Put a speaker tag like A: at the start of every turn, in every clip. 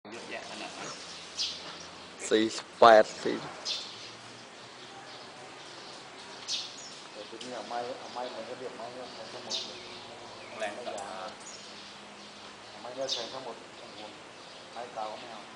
A: เยอะแยะขนาดนั้น
B: 48 4
C: แต่ทีนี้เอาไม้มันก็เรียกไม้เนี่ยแทงทั้งหมดเลย
A: แรงต่าง
C: ไม้เนี่ยแทงทั้งหมดไม้เก่าไม่เอา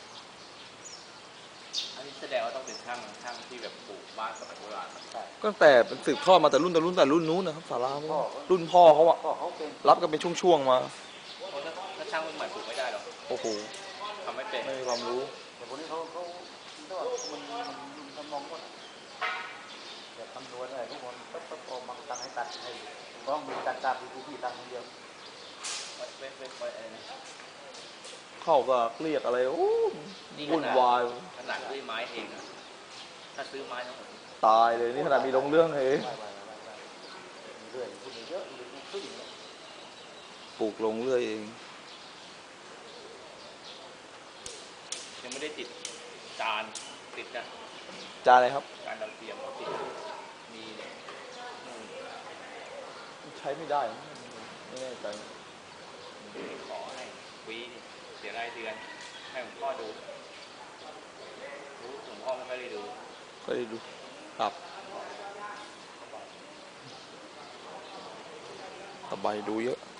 A: อันนี้แสดงว่าต้องเป็นช่างที่แบบปลูกบ้านสมัยโบราณ
C: ใช่
B: ก็ตั้งแต่เป็นสืบทอดมาแต่รุ่นนู้นนะครับศาลารุ่นพ่อเขาอะ
C: พ่อเขาเป็น
B: รับกันเป็นช่วงๆมา
A: เพราะถ้าช่างรุ่นใหม่ปลูกไม่ได้หรอก
B: โอ้โห
A: ทำไม่เป็น
B: ไม่มีความรู้
C: แต่คนนี้เขามันทำนองว่าแต่คำนวณอะไรทุกคนปั๊บออกมาตั้งให้ตัดให้ต้องมีตัดตามที่พี่ตั้งคนเดียว
A: ไว้อะไรนะ
B: เข้าก็เรียกอะไรโอ้วุ่นวาย
A: ขนาดซื้อไม้เองนะถ้าซื้อไม้ทั้งหมด
B: ตายเลยนี่ขนาดมีลงเรื่องเอง
C: มีเรื่อยพูดเยอะมีขึ้น
B: ปลูกลงเรื่อยเอง
A: ยังไม่ได้ติดจานติดนะ
B: จานอะไรครับ
A: จานดาวเทียมเขาติดมีเนี่ย
B: ใช้ไม่ได้ไม่แน่ใจ
A: ขอให้ฟรีเสียรายเดือนให้หลวงพ่อดูรู้หลวงพ่อไม่ค่อยได้ดู
B: ก็ได้ดูครับสบายดูเยอะ